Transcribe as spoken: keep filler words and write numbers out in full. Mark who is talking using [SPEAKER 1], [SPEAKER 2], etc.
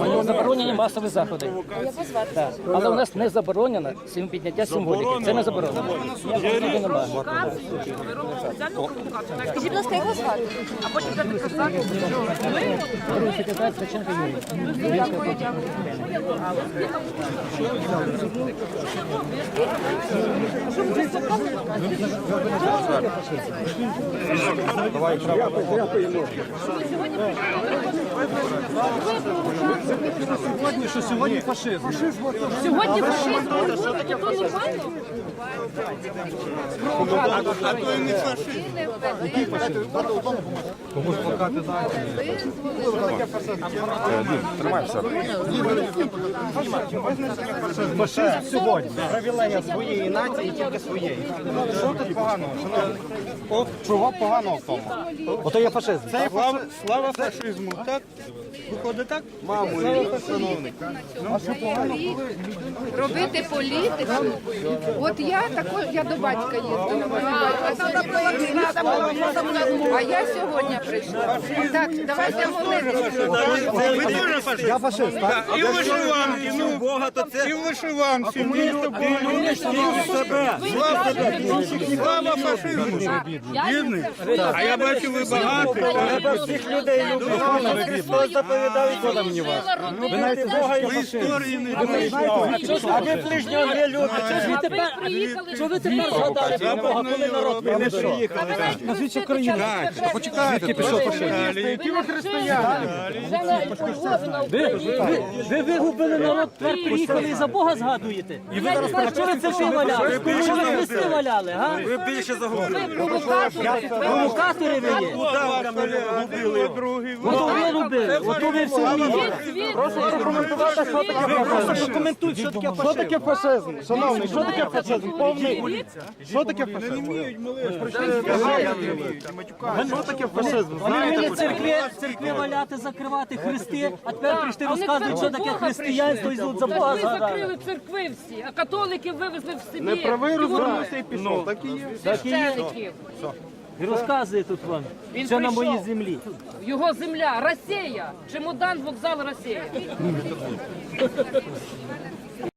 [SPEAKER 1] Заборонені масові заходи. Так. Але у нас не заборонено сім підняття символіки. Це не заборонено. Ніякого немає.
[SPEAKER 2] Скажіть, будь ласка, як вас звати? А потім дати казати.
[SPEAKER 1] Другий секретар Ткаченко Юрій.
[SPEAKER 2] Дякую, дякую.
[SPEAKER 3] Сьогодні, що сьогодні фашизм.
[SPEAKER 2] Сьогодні фашизм, це нормально?
[SPEAKER 4] А то і не фашизм.
[SPEAKER 2] Який фашизм?
[SPEAKER 3] Комусь плакати дати.
[SPEAKER 4] Тримайся.
[SPEAKER 3] Фашизм сьогодні. Привілегія своєї нації, тільки своєї. Що тут поганого? О, чого поганого в тому? Ото є фашизм. Це є
[SPEAKER 4] Слава, слава фашизму, так? Виходить так? Мамо, шановний.
[SPEAKER 2] Робити політику. От я також, я до батька їздила. А я сьогодні прийшла. Так, давайте молитися.
[SPEAKER 4] Ви теж фашист?
[SPEAKER 3] Я фашист, так?
[SPEAKER 4] І в вишиванці, ну, і в вишиванці. І себе. Слава фашизму. Бідний. А я бачу, ви багато.
[SPEAKER 3] Треба всіх людей любити. Христос заповідав, і коли мені вас. Ви навіть Бога і
[SPEAKER 4] Ви історії не знаєте.
[SPEAKER 3] А ви ближнього не любите.
[SPEAKER 1] Що ви тепер, що ви тепер згадали про Бога, коли народ не приїхали?
[SPEAKER 3] Назвіть Україну.
[SPEAKER 4] Почекайте, пішов фашизм.
[SPEAKER 3] Які ви християни?
[SPEAKER 1] Ви, ви, ви вигубили народ, тепер приїхали і за Бога згадуєте. І ви зараз а чого ви церкви валяли? Чого ви хрести валяли, га?
[SPEAKER 4] Ви більше загубили.
[SPEAKER 1] Провокатори ви є.
[SPEAKER 4] Губили другий.
[SPEAKER 1] Ото ви робили, ото ви все вмієте.
[SPEAKER 3] Прошу прокоментувати, що таке фашизм. Просто прокоментуйте, що таке фашизм. Що таке фашизм? Шановний, що таке фашизм? Повний. Що таке фашизм? Що таке фашизм?
[SPEAKER 1] Вони вміли церкви, церкви валяти, закривати хрести, а тепер прийшли розказують, що таке християнство і за Бога
[SPEAKER 5] Ви
[SPEAKER 1] згадали.
[SPEAKER 5] закрили церкви всі, а католиків вивезли в Сибір.
[SPEAKER 3] Неправий
[SPEAKER 5] І
[SPEAKER 3] розвернувся і пішов. Так і є.
[SPEAKER 5] священиків.
[SPEAKER 1] І розказує тут вам,
[SPEAKER 5] Він
[SPEAKER 1] що на моїй
[SPEAKER 5] прийшов.
[SPEAKER 1] землі.
[SPEAKER 5] Його земля, Росія, чемодан, вокзал, Росія.